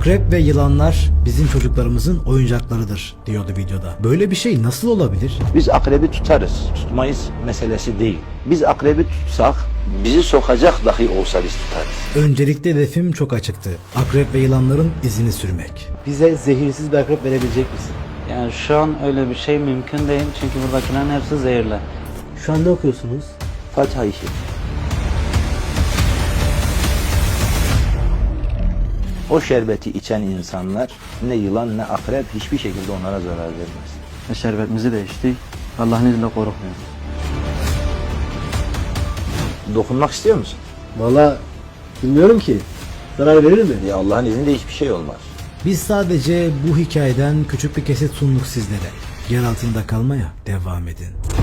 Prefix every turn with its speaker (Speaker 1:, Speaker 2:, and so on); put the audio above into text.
Speaker 1: Akrep ve yılanlar bizim çocuklarımızın oyuncaklarıdır diyordu videoda. Böyle bir şey nasıl olabilir?
Speaker 2: Biz akrebi tutarız, tutmayız meselesi değil. Biz akrebi tutsak, bizi sokacak dahi olsa biz tutarız.
Speaker 1: Öncelikle hedefim çok açıktı. Akrep ve yılanların izini sürmek.
Speaker 3: Bize zehirsiz bir akrep verebilecek misin?
Speaker 4: Yani şu an öyle bir şey mümkün değil çünkü buradakilerin hepsi zehirli.
Speaker 3: Şu an ne okuyorsunuz?
Speaker 2: Fatiha işi. O şerbeti içen insanlar ne yılan ne akrep hiçbir şekilde onlara zarar vermez.
Speaker 4: Ve şerbetimizi de içtik. Allah'ın izniyle korkmuyoruz.
Speaker 2: Dokunmak istiyor musun?
Speaker 3: Valla bilmiyorum ki. Zarar verir mi?
Speaker 2: Ya Allah'ın izniyle hiçbir şey olmaz.
Speaker 1: Biz sadece bu hikayeden küçük bir kesit sunduk sizlere. Yer altında kalmaya devam edin.